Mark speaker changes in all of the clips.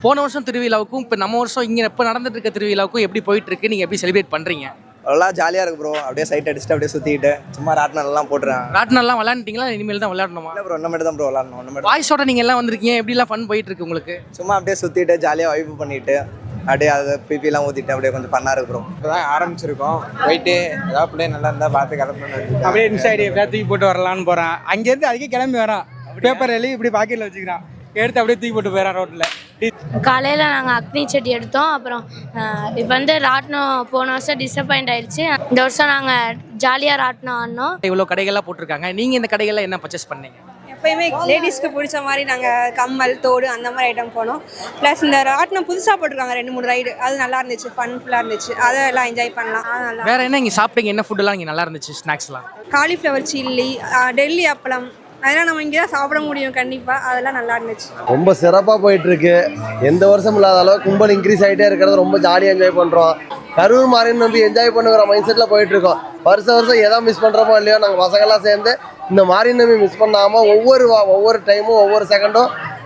Speaker 1: போன வருஷம் திருவிழாவுக்கும் இப்போ நம்ம வருஷம் இங்கே இப்போ நடந்துட்டு இருக்க திருவிழாவுக்கும் எப்படி போயிட்டு இருக்கு, நீங்கள் எப்படி செலிப்ரேட் பண்ணுறீங்க?
Speaker 2: நல்லா ஜாலியாக இருக்கு ப்ரோ. அப்படியே சைட் அடிச்சுட்டு அப்படியே சுற்றிக்கிட்டு சும்மா ராட்டினெல்லாம் போட்டுறேன்.
Speaker 1: ராட்டினெல்லாம் விளையாண்டுட்டீங்களா? இனிமேல் தான் விளையாடணுமா?
Speaker 2: இல்லை ப்ரோ, ஒன்று மட்டும் தான் ப்ரோ விளாடணும். ஒன்று மட்டும்.
Speaker 1: வாய்ஸோட நீங்கள் எல்லாம் வந்திருக்கீங்க, எப்படிலாம் ஃபன் போயிட்டு இருக்கு உங்களுக்கு?
Speaker 2: சும்மா அப்படியே சுற்றிட்டு ஜாலியாக வைப்பு பண்ணிட்டு அப்படியே அதை பிபிலாம் ஊற்றிட்டு அப்படியே கொஞ்சம் பண்ணாக இருக்கு ப்ரோ.
Speaker 3: இப்போ தான் ஆரம்பிச்சிருக்கோம். போயிட்டு ஏதாவது பிள்ளை நல்லா இருந்தால் பார்த்து கிளம்பணும்.
Speaker 4: அப்படியே இன்ஸ்டா ஐடி எப்படியா தூக்கி போட்டு வரலான்னு போகிறேன். அங்கேருந்து அதுக்கே கிளம்பி வரான். பேப்பர் எழுதி இப்படி பாக்கெட்டில் வச்சுக்கிறான். எடுத்து அப்படியே தூக்கி போட்டு போயிடறான் ரோட்டில்.
Speaker 5: காலையில் நாங்கள் அக்னி செடி எடுத்தோம். அப்புறம் இப்போ வந்து ராட்டினம் போன வருஷம் டிசப்பாயிண்ட் ஆயிடுச்சு. இந்த வருஷம் நாங்கள் ஜாலியாக ராட்டினம் ஆடினோம்.
Speaker 1: இவ்வளோ கடைகள்லாம் போட்டிருக்காங்க, நீங்கள் இந்த கடைகளில் என்ன பர்ச்சேஸ் பண்ணீங்க?
Speaker 6: எப்பயுமே லேடிஸ்க்கு பிடிச்ச மாதிரி நாங்கள் கம்மல் தோடு அந்த மாதிரி ஐட்டம் போனோம். ப்ளஸ் இந்த ராட்டினம் புதுசாக போட்டிருக்காங்க 2-3 ரைடு, அது நல்லா இருந்துச்சு, ஃபுல்லாக இருந்துச்சு. அதை எல்லாம் என்ஜாய் பண்ணலாம். நல்லா
Speaker 1: வேறு என்ன இங்கே சாப்பிட்டீங்க? என்ன ஃபுட்டெல்லாம் இங்கே நல்லா இருந்துச்சு? ஸ்நாக்ஸ்லாம்
Speaker 6: காலிஃப்ளவர் சில்லி, டெல்லி அப்பளம், அதெல்லாம் நம்ம இங்கே தான் சாப்பிட முடியும் கண்டிப்பாக. அதெல்லாம் நல்லா இருந்துச்சு.
Speaker 7: ரொம்ப சிறப்பாக போயிட்டுருக்கு. எந்த வருஷம் இல்லாத அளவு கும்பல் இன்க்ரீஸ் ஆகிட்டே இருக்கிறது ரொம்ப ஜாலியாக என்ஜாய் பண்ணுறோம். கரூர் மாறின்னு நம்பி என்ஜாய் பண்ணுற மைண்ட் செட்டில் போயிட்டுருக்கோம். வருஷம் எதோ மிஸ் பண்ணுறோமோ இல்லையோ, நாங்கள் பசங்கள்லாம் சேர்ந்து இந்த மாறின்னு நம்பி மிஸ் பண்ணாமல் ஒவ்வொரு டைமும் ஒவ்வொரு செகண்டும்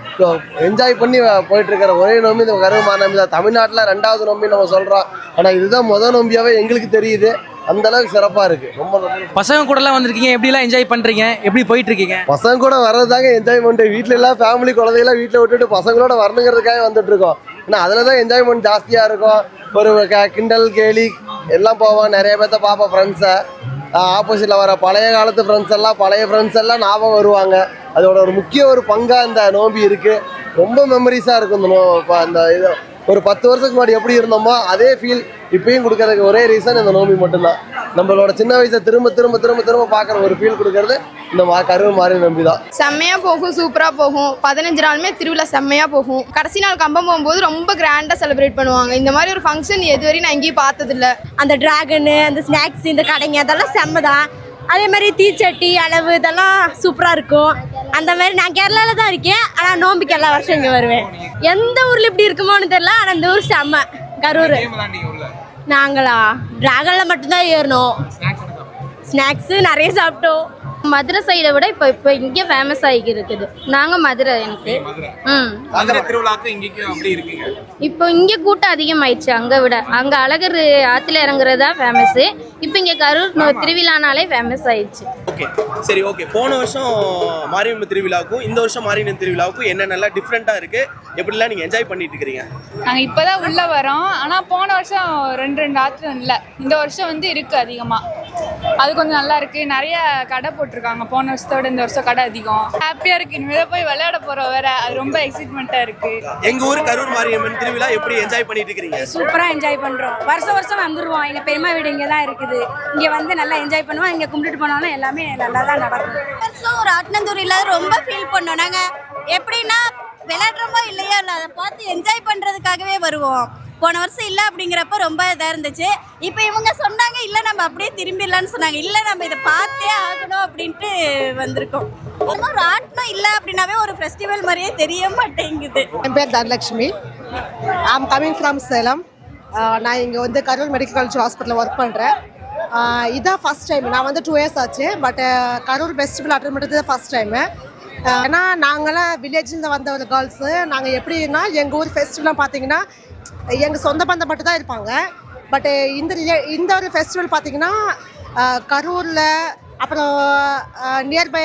Speaker 7: என்ஜாய் பண்ணி போயிட்டுருக்கிற ஒரே நோம்பி இந்த கரூர் மாறி நம்பி தான். தமிழ்நாட்டில் 2வது நோம்பி நம்ம சொல்கிறோம், ஆனால் இதுதான் முதல் நோம்பியாகவே எங்களுக்கு தெரியுது. அந்த அளவுக்கு சிறப்பாக இருக்குது. ரொம்ப
Speaker 1: பசங்க கூடலாம் வந்திருக்கீங்க, எப்படிலாம் என்ஜாய் பண்ணுறீங்க, எப்படி போயிட்டு இருக்கீங்க?
Speaker 7: பசங்க கூட வர்றதுதாங்க என்ஜாய்மெண்ட். வீட்டில எல்லாம் ஃபேமிலி குழந்தைகளாம் வீட்டில் விட்டுட்டு பசங்களோட வரணுங்கிறதுக்காக வந்துட்டு இருக்கோம். ஏன்னா அதில் தான் என்ஜாய்மெண்ட் ஜாஸ்தியாக இருக்கும். ஒரு கிண்டல் கேலி எல்லாம் போவோம். நிறைய பேர்த்த பார்ப்போம். ஃப்ரெண்ட்ஸை ஆப்போசிட்டில் வர பழைய காலத்து பழைய ஃப்ரெண்ட்ஸ் எல்லாம் ஞாபகம் வருவாங்க. அதோட ஒரு முக்கிய ஒரு பங்காக இந்த நோம்பி இருக்குது. ரொம்ப மெமரிஸாக இருக்கும் இந்த அந்த இது. ஒரு 10 வருஷத்துக்கு முன்னாடி எப்படி இருந்தோமோ அதே ஃபீல் இப்பயும் கொடுக்கறதுக்கு ஒரே ரீசன் இந்த நோம்பி மட்டும்தான். நம்மளோட சின்ன வயசை திரும்ப திரும்ப திரும்ப திரும்ப பார்க்குற ஒரு ஃபீல் கொடுக்கறது இந்த கரூர் மாறி நம்பி தான்.
Speaker 8: செம்மையாக போகும், சூப்பராக போகும். 15 நாளுமே திருவிழா செம்மையாக போகும். கடைசி நாள் கம்பம் போகும்போது ரொம்ப கிராண்டாக செலிப்ரேட் பண்ணுவாங்க. இந்த மாதிரி ஒரு ஃபங்க்ஷன் எதுவரையும் நான் எங்கேயும் பார்த்ததில்ல.
Speaker 5: அந்த டிராகனு, அந்த ஸ்நாக்ஸ், இந்த கடைங்க அதெல்லாம் செம்ம தான். அதே மாதிரி தீச்சட்டி அளவு இதெல்லாம் சூப்பராக இருக்கும். அந்த மாதிரி நான் கேரளாவில் தான் இருக்கேன், ஆனால் நோம்பிக்கு எல்லா வருஷம் இங்கே வருவேன். எந்த ஊரில் இப்படி இருக்குமோன்னு தெரியல, ஆனால் இந்த ஊர் செம்ம கரூர். நாங்களா டிராகனில் மட்டும்தான் ஏறணும். ஸ்நாக்ஸு நிறைய சாப்பிட்டோம்.
Speaker 8: மதுரை சைடை விட இப்போ இங்கே ஃபேமஸ் ஆகி இருக்குது. நாங்கள் மதுரை. எனக்கு இப்போ இங்கே கூட்டம் அதிகமாயிடுச்சு. அங்கே விட அங்கே அழகர் ஆற்றுல இறங்குறதா ஃபேமஸ்ஸு. இப்போ இங்கே கரூர் திருவிழானாலே ஃபேமஸ் ஆயிடுச்சு.
Speaker 9: ஓகே, சரி, ஓகே. போன வருஷம் மாரியம்மன் திருவிழாவுக்கும் இந்த வருஷம் மாரியம்மன் திருவிழாவுக்கும் என்ன நல்லா டிஃப்ரெண்ட்டாக இருக்குது, எப்படிலாம் நீங்கள் என்ஜாய் பண்ணிட்டு இருக்கிறீங்க?
Speaker 10: நாங்கள் இப்போ தான் உள்ளே வரோம். ஆனால் போன வருஷம் 2 ஆற்று இல்லை, இந்த வருஷம் வந்து இருக்குது அதிகமாக. அது கொஞ்சம் நல்லா இருக்குது. நிறைய கடை போட்டிருக்காங்க. போன வருஷத்தோட இந்த வருஷம் கடை அதிகம். ஹாப்பியாக இருக்குது. இனிமேல் போய் விளையாட போகிறோம் வேற. அது ரொம்ப எக்ஸைட்மெண்ட்டாக இருக்குது.
Speaker 9: எங்கள் ஊர் கரூர் மாரியம்மன் திருவிழா எப்படி என்ஜாய் பண்ணிட்டு இருக்கிறீங்க?
Speaker 5: சூப்பராக என்ஜாய் பண்ணுறோம். வருஷம் வந்துடுவோம். எங்கள் பெரியம்மா வீடு இங்கே தான் இருக்குது. இங்கே வந்து நல்லா என்ஜாய் பண்ணுவோம். இங்கே கும்பிட்டுட்டு போனாலும் எல்லாமே நல்லா தான் நடக்கும்.
Speaker 8: வருஷம் ராட்டினந்தூரில் ரொம்ப ஃபீல் பண்ணோம். நாங்கள் எப்படின்னா விளையாடுறோமோ இல்லையோ இல்லை, அதை பார்த்து என்ஜாய் பண்ணுறதுக்காகவே வருவோம். போன வருஷம் இல்லை அப்படிங்கிறப்ப ரொம்ப இதாக இருந்துச்சு. இப்போ இவங்க சொன்னாங்க இல்லை நம்ம அப்படியே திரும்பிடலான்னு சொன்னாங்க. இல்லை நம்ம இதை பார்த்தே ஆகணும் அப்படின்ட்டு வந்திருக்கோம். ராட்டினம் இல்லை அப்படின்னாவே ஒரு ஃபெஸ்டிவல் மாதிரியே தெரிய மாட்டேங்குது.
Speaker 11: என் பேர் Dhanalakshmi. I'm coming from Salem. நான் இங்கே வந்து கரூர் மெடிக்கல் காலேஜ் ஹாஸ்பிட்டலில் ஒர்க் பண்ணுறேன். இதான் ஃபஸ்ட் டைம். நான் வந்து 2 இயர்ஸ் ஆச்சு. பட் கரூர் ஃபெஸ்டிவல் அட்டன் பண்ணுறது தான் ஃபஸ்ட் டைமு. ஏன்னா நாங்களாம் வில்லேஜில் வந்த ஒரு கேர்ள்ஸு. நாங்கள் எப்படின்னா எங்கள் ஊர் ஃபெஸ்டிவல்லாம் பார்த்தீங்கன்னா எங்கள் சொந்த பந்தம் மட்டும் தான் இருப்பாங்க. பட் இந்த ஒரு ஃபெஸ்டிவல் பார்த்தீங்கன்னா கரூரில் அப்புறம் நியர்பை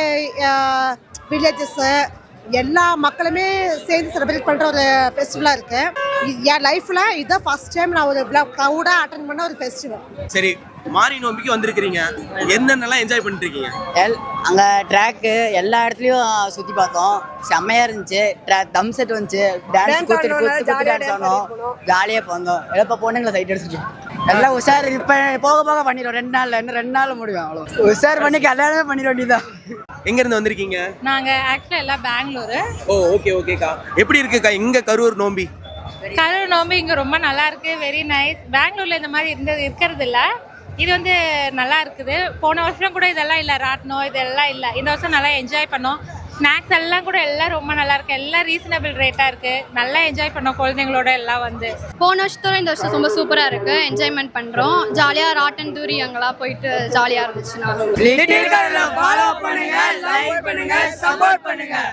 Speaker 11: வில்லேஜஸ்ஸு எல்லா மக்களுமே சேர்ந்து செலிப்ரேட் பண்ணுற ஒரு ஃபெஸ்டிவலாக இருக்குது. என் லைஃப்பில் இதுதான் ஃபஸ்ட் டைம் நான் ஒரு க்ரௌடாக அட்டன் பண்ண ஒரு ஃபெஸ்டிவல்.
Speaker 9: சரி, மாரி நோம்பிக்கு வந்திருக்கிறீங்க, என்னென்னலாம் என்ஜாய் பண்ணிட்டு இருக்கீங்க?
Speaker 12: அங்கே ட்ராக்கு எல்லா இடத்துலையும் சுற்றி பார்த்தோம். செம்மையாக இருந்துச்சு. தம் செட் வந்துச்சு. டான்ஸ் குத்து டான்ஸ் ஆனோம். ஜாலியாக போந்தோம். இப்போ பொண்ணுங்களை சைட் அடிச்சுட்டு எல்லாம் உஷார். இப்போ போக பண்ணிடுவோம். 2 நாளில் இன்னும் 2 நாள் முடியும். அவ்வளோ உஷார் பண்ணி கல்யாணமே பண்ணிட வேண்டியதான்.
Speaker 9: எங்கேருந்து வந்திருக்கீங்க?
Speaker 10: நாங்கள் ஆக்சுவலாக எல்லாம் பெங்களூரு.
Speaker 9: ஓ, ஓகேக்கா. எப்படி இருக்குக்கா இங்கே கரூர் நோம்பி?
Speaker 10: கரூர் நோம்பி இங்கே ரொம்ப நல்லா இருக்கு. Very nice. பெங்களூரில் இந்த மாதிரி இருக்கிறது இல்லை. இது வந்து நல்லா இருக்குது. போன வருஷம் கூட இதெல்லாம் இல்லை, ராட்டினம் இதெல்லாம் இல்லை. இந்த வருஷம் நல்லா என்ஜாய் பண்ணோம். ஸ்நாக்ஸ் எல்லாம் கூட எல்லாம் ரொம்ப நல்லா இருக்கு. எல்லாம் ரீசனபிள் ரேட்டாக இருக்கு. நல்லா என்ஜாய் பண்ணோம் குழந்தைங்களோட எல்லாம் வந்து.
Speaker 8: போன வருஷத்தோட இந்த வருஷம் ரொம்ப சூப்பராக இருக்குது. என்ஜாய்மெண்ட் பண்ணுறோம். ஜாலியாக ராட்டன் தூரி அங்கெல்லாம் போயிட்டு ஜாலியாக இருந்துச்சு.